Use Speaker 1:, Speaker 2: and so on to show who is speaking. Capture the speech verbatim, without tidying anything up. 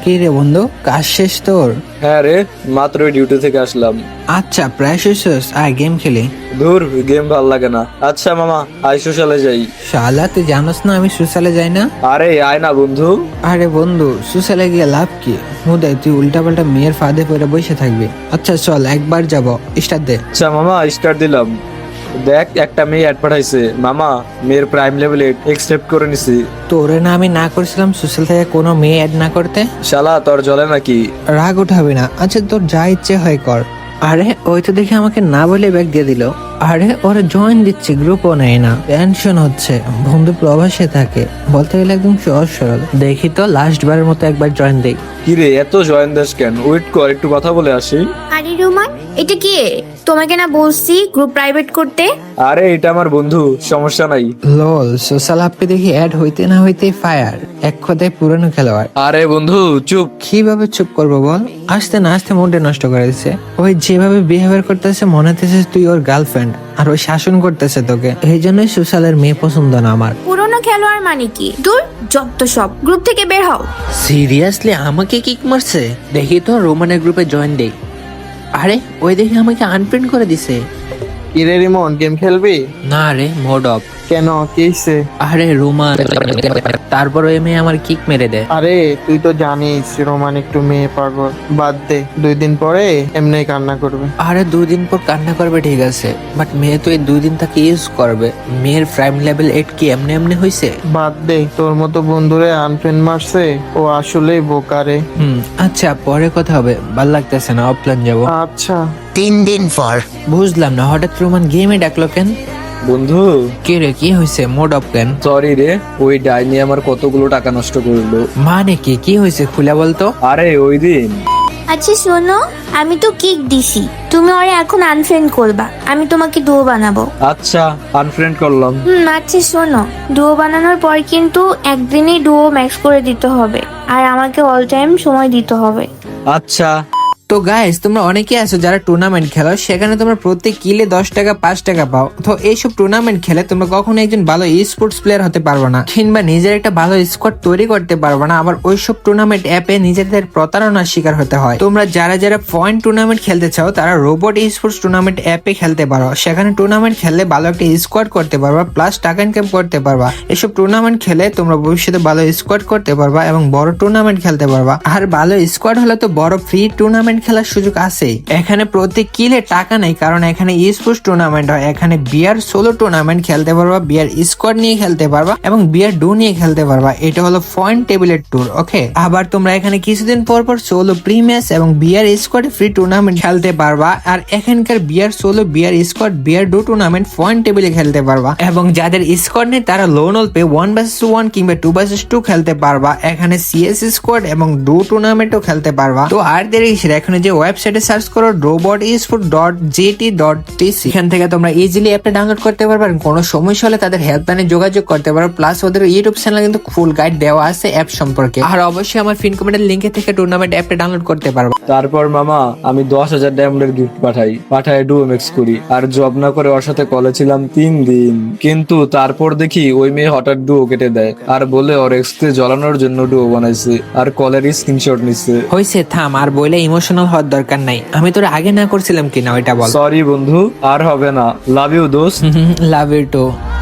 Speaker 1: কি রে বন্ধু, কাজ শেষ তোর?
Speaker 2: হ্যাঁ রে, মাত্র ডিউটি থেকে আসলাম।
Speaker 1: আচ্ছা, প্রায় শেষ। আয় গেম খেলি।
Speaker 2: দূর, গেম ভাল লাগে না। আচ্ছা মামা, আই সোশ্যালে যাই।
Speaker 1: শালা তুই জানোস না আমি সুসালে যাই না?
Speaker 2: আরে আয় না বন্ধু।
Speaker 1: আরে বন্ধু, সুসালে গিয়ে লাভ কি? হুদাই তুই উল্টা পাল্টা মেয়ের ফাঁদে পড়ে বসে থাকবি। আচ্ছা চল একবার যাব, স্টার্ট দে।
Speaker 2: আচ্ছা মামা, স্টার্ট দিলাম। দেখ, একটা মেয়ে অ্যাড পাঠাইছে। মামা, মেয়ের প্রাইম লেভেল এক্সেপ্ট করে নিছি।
Speaker 1: তোরে না আমি না করছিলাম সোশ্যাল থেকে কোনো মেয়ে অ্যাড না করতে?
Speaker 2: শালা তোর জলে নাকি?
Speaker 1: রাগ উঠাবি না। আচ্ছা তোর যা ইচ্ছে হয় কর। আরে ওই তো দেখে আমাকে না বলে ব্যাগ দিয়ে দিল। আরে ওরা জয়েন দিচ্ছে, গ্রুপও নেয় না। টেনশন হচ্ছে, বন্ধু প্রবাসে থাকে, বলতে গেলে একদম সহজ সরল। দেখি তো লাস্ট বারের মতো একবার জয়েন দেই।
Speaker 2: কিরে, এত জয়েন দেশ কেন? ওয়েট কর, একটু কথা বলে আসি।
Speaker 3: আরে রোমান, এটা কি? তোমাকে না বলছি গ্রুপ প্রাইভেট করতে?
Speaker 2: আরে এটা আমার বন্ধু, সমস্যা নাই।
Speaker 1: লল, সোশ্যাল অ্যাপে দেখি অ্যাড হইতে না হইতে ফায়ার, এক কথায় পুরানো খেলোয়াড়।
Speaker 2: আরে বন্ধু চুপ।
Speaker 1: কিভাবে চুপ করবো বল? আসতে না আসতে মুডে নষ্ট করে দিচ্ছে। ওই যেভাবে বিহেভিয়ার করতেছে মনে হতেছে তুই ওর গার্লফ্রেন্ড, আর ওই শাসন করতেছে তোকে। এই জন্যই সোশ্যালের মেয়ে পছন্দ না আমার।
Speaker 3: পুরনো খেলোয়াড় মানে কি? দূর, যত সব, গ্রুপ থেকে বের হও।
Speaker 1: সিরিয়াসলি আমাকে কিক মারছে? দেখি তো রোমানের গ্রুপে জয়েন দেই। আরে ওই দেখি আমাকে আনফ্রেন্ড করে দিছে।
Speaker 4: কিরে রিমন, গেম খেলবি?
Speaker 1: না রে, মোড অফ।
Speaker 4: কেন, কি হইছে?
Speaker 1: আরে রোমান, তারপর ওই মেয়ে আমার কিক মেরে দেয়।
Speaker 4: আরে তুই তো জানিস রোমান একটু মেয়ে পাগল। বাদ দে, দুই দিন পরে এমনি কান্না করবে।
Speaker 1: আরে দুই দিন পর কান্না করবে ঠিক আছে, বাট মেয়ে তো এই দুই দিন তাকে ইউজ করবে। মেয়ের প্রাইম লেভেল এইট কি এমনি এমনি হয়েছে?
Speaker 4: বাদ দে, তোর মতো বন্ধুরে আনফ্রেন্ড মারছে, ও আসলেই বোকারে।
Speaker 1: হুম, আচ্ছা পরে কথা হবে, ভাল লাগতেছে না, অফলাইন যাবো।
Speaker 4: আচ্ছা।
Speaker 5: তিন দিন পর।
Speaker 1: বুঝলাম না হঠাৎ রোমান গেমে ডাকলো কেন?
Speaker 2: বন্ধু
Speaker 1: কে রে, কি হয়েছে? মোড অফ কেন?
Speaker 2: সরি রে, ওই ডাইনি আমার কতগুলো টাকা নষ্ট করলো।
Speaker 1: মানে কি কি হয়েছে খুলে বলতো?
Speaker 2: আরে ওই দিন।
Speaker 3: আচ্ছা শোনো, আমি তো কিক দিছি, তুমি ওরে এখন আনফ্রেন্ড করবা, আমি তোমাকে ডুও বানাবো।
Speaker 2: আচ্ছা, আনফ্রেন্ড করলাম।
Speaker 3: হুম, আচ্ছা শোনো, ডুও বানানোর পর কিন্তু একদিনই ডুও ম্যাক্স করে দিতে হবে, আর আমাকে অল টাইম সময় দিতে হবে।
Speaker 2: আচ্ছা।
Speaker 1: তো গাইস, তোমরা অনেকে আছো যারা টুর্নামেন্ট খেলো, সেখানে তোমরা প্রত্যেক কিলে দশ টাকা পাঁচ টাকা পাও। তো এইসব টুর্নামেন্ট খেলে তোমরা কখনো একজন ভালো ই স্পোর্টস প্লেয়ার হতে পারবে না, কিংবা নিজের একটা ভালো স্কোয়াড তৈরি করতে পারবে না। আবার ওইসব টুর্নামেন্ট অ্যাপে নিজেদের প্রতারণার শিকার হতে হয়। তোমরা যারা যারা পয়েন্ট টুর্নামেন্ট খেলতে চাও তারা রোবট ই স্পোর্টস টুর্নামেন্ট অ্যাপে খেলতে পারো। সেখানে টুর্নামেন্ট খেললে ভালো একটা স্কোয়াড করতে পারবা, প্লাস টাকা ইনকাম করতে পারবা। এসব টুর্নামেন্ট খেলে তোমরা ভবিষ্যতে ভালো স্কোয়াড করতে পারবা এবং বড় টুর্নামেন্ট খেলতে পারবা। আর ভালো স্কোয়াড হলে তো বড় ফ্রি টুর্নামেন্ট খেলার সুযোগ আছে। এখানে প্রত্যেক কিলে টাকা নেই, কারণ এখানে ই স্পোর্টস টুর্নামেন্ট হয়। এখানে বিয়ার সোলো টুর্নামেন্ট খেলতে পারবা, বিয়ার স্কোয়াড নিয়ে খেলতে পারবা এবং বিয়ার ডু নিয়ে খেলতে পারবা। এটা হলো পয়েন্ট টেবিলের ট্যুর, ওকে। আবার তোমরা এখানে কিছুদিন পর পর সোলো প্রি ম্যাচ এবং বিয়ার স্কোয়াড ফ্রি টুর্নামেন্ট খেলতে পারবা। আর এখানকার BR solo, BR squad, BR duo tournament point টেবিলে খেলতে পারবা। এবং যাদের স্কোয়াড নেই তারা lone wolf one versus one কিংবা টু ভার্সেস টু খেলতে পারবা। এখানে সিএস স্কোয়াড এবং ডু টুর্নামেন্টও খেলতে পারবা। তো আর দেরি কিসের, এখানে যে ওয়েবসাইটে সার্চ করো robot esports dot GT dot TC. এখান থেকে তোমরা ইজিলি অ্যাপটা ডাউনলোড করতে পারবে। কোনো সমস্যা হলে তাদের হেল্পলাইনে যোগাযোগ করতে পারো। প্লাস ওদের ইউটিউব চ্যানেলে কিন্তু ফুল গাইড দেওয়া আছে অ্যাপ সম্পর্কে। আর অবশ্যই আমার পিন কমেন্টের লিংকে থেকে টুর্নামেন্ট অ্যাপটা ডাউনলোড করতে পারবে।
Speaker 2: তারপর মামা, আমি দশ হাজার ডায়মন্ডের গিফট পাঠাই পাঠাই ডুও ম্যাক্স করি। আর জব না করে ওর সাথে কলে ছিলাম তিন দিন। কিন্তু তারপর দেখি ওই মেয়ে হঠাৎ ডুও কেটে দেয় আর বলে ওর এক্সকে জ্বলানোর জন্য ডুও বানাইছে আর কলের স্ক্রিনশট নিচ্ছে।
Speaker 1: হইছে, থাম আর বলে ইমোশনাল হওয়ার দরকার নাই। আমি তোর আগে না করছিলাম কিনা ওইটা বল।
Speaker 2: সরি বন্ধু, আর হবে না। লাভ ইউ দোস্ত।
Speaker 1: Love you two.